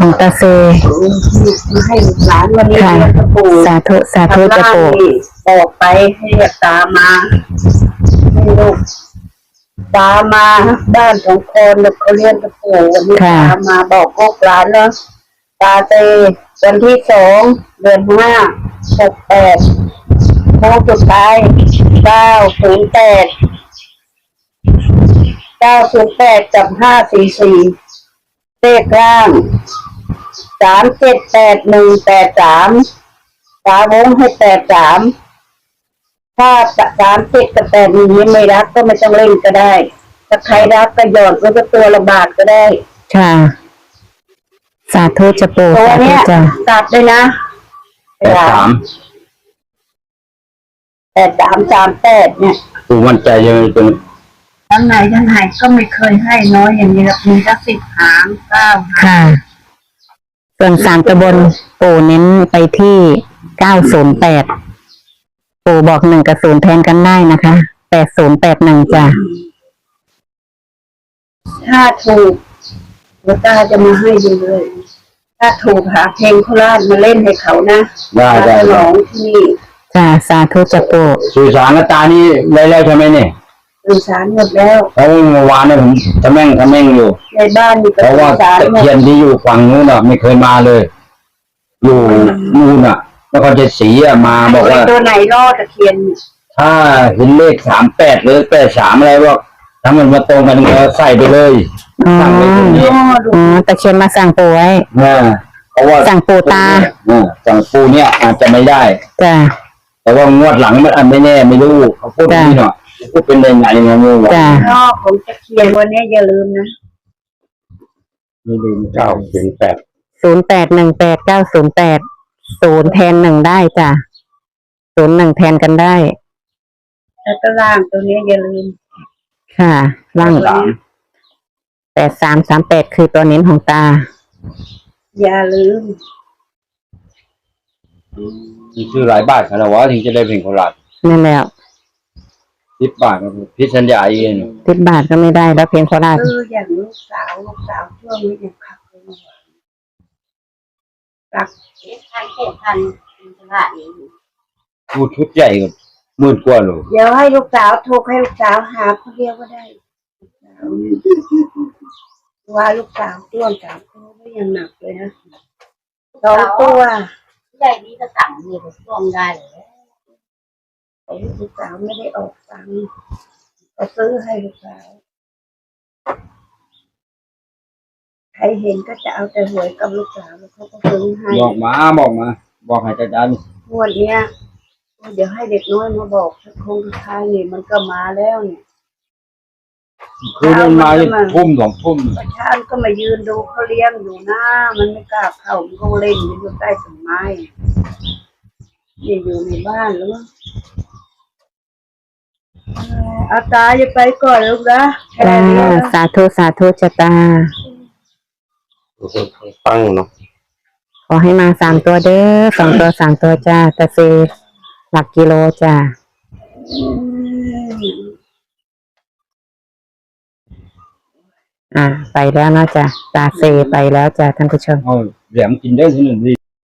ของตาเซมาให้หลานวันนี้ค่ะสาธุสาธุจะปู่บอกไปให้ตามาให้ลูกตามาบ้านของคนเขาเรียนกับปู่วันนี้ตามาบอกลูกหลานเนาะตาเซวันที่2 เดือน 5 68โมงสุดท้าย908กับ544เลขล่าง378183ตาวงให้83ถ้า37กับ81นี้ไม่รักก็ไม่ต้องเล่นก็ได้ถ้าใครรักก็หยอดไว้ก็ตัวละบาทก็ได้ค่ะสาธุจะปู่ตัวเนี้ยตัดเลยนะ8338เนี่ยปู่มั่นใจยังไงตรงทั้งไหนก็ไม่เคยให้น้อยอย่างนี้หรอกมีสัก10 หาง9 หางค่ะส่วน3 ตะบนปู่เน้นไปที่908ปู่บอก1กับ0แทนกันได้นะคะ8081จ้ะถ้าถูกแล้วตาจะมาให้ดูเลยถ้าถูกหาเพลงโคราชมาเล่นให้เขานะได้ร้องที่นี่จ้ะสาธุจะปู่สื่อสารกับตานี่ได้แล้วใช่ไหมเนี่ยสื่อสารหมดแล้วเพราะเมื่อวานเนี่ยผมทำแม่งอยู่ในบ้านมีเพราะว่าตะเคียนที่อยู่ฝั่งนู้นน่ะไม่เคยมาเลยอยู่นู่นน่ะแล้วก็จะสีมาบอกว่าตัวไหนรอดตะเคียนถ้าเห็นเลข38หรือ83อะไรว่าถ้ามันมาตรงกันก็ใส่ไปเลยสั่งไปตรงนี้ตะเคียนมาสั่งปู่ไว้เพราะว่าสั่งปู่ตาสั่งปู่เนี่ยอาจจะไม่ได้จ้ะแต่ว่างวดหลังมันไม่แน่ไม่รู้เขาพูดนี่หน่อยพูดเป็นยังไงงงๆจ้ะรอบของตะเคียนวันนี้อย่าลืมนะไม่ลืม908 08189080แทน1ได้จ้ะ01แทนกันได้แล้วก็ล่างตัวนี้อย่าลืมค่ะล่าง8338คือตัวเน้นของตาอย่าลืมชื่อหลายบาทขนาดว่าถึงจะได้เป็นโคราชนั่นแล้ว 10 บาทพิชัญญาเอง 10 บาทก็ไม่ได้แล้วเพลงโคราชอย่างลูกสาวช่วงนี้ยังขับเลยรักทันตลาดเองพูดชุดใหญ่กับ10,000 กว่าเลยเดี๋ยวให้ลูกสาวโทรให้ลูกสาวหาคนเดียวก็ได้ว่าลูกสาวต้วน3 ตัวก็ยังหนักเลยนะ2 ตัวใหญ่นี้ก็สั่งมีก็ซ่อมได้เลยแต่ลูกสาวไม่ได้ออกตังค์ก็ซื้อให้ลูกสาวใครเห็นก็จะเอาแต่หวยกับลูกสาวแล้วเขาก็ซื้อให้บอกมาบอกให้จัดการงวดเนี้ยเดี๋ยวให้เด็กน้อยมาบอกคงสุดท้ายนี่มันก็มาแล้วเนี่ยคือมันมาทุ่ม2 ทุ่มประชาชนก็มายืนดูเขาเลี้ยงอยู่หน้ามันไม่กล้าเข้ามันก็เล่นอยู่ใต้ต้นไม้อยู่ในบ้านหรืออาตาจะไปก่อนลูกนะสาธุจะตาฟังเนาะขอให้มา3 ตัวเด้อ2 ตัว3 ตัวจ้าตะเซหลักกิโลจ้าไปแล้วนะจ้ะตาเซไปแล้วจ้ะท่านผู้ชมแหลมกินได้ที่1 ดี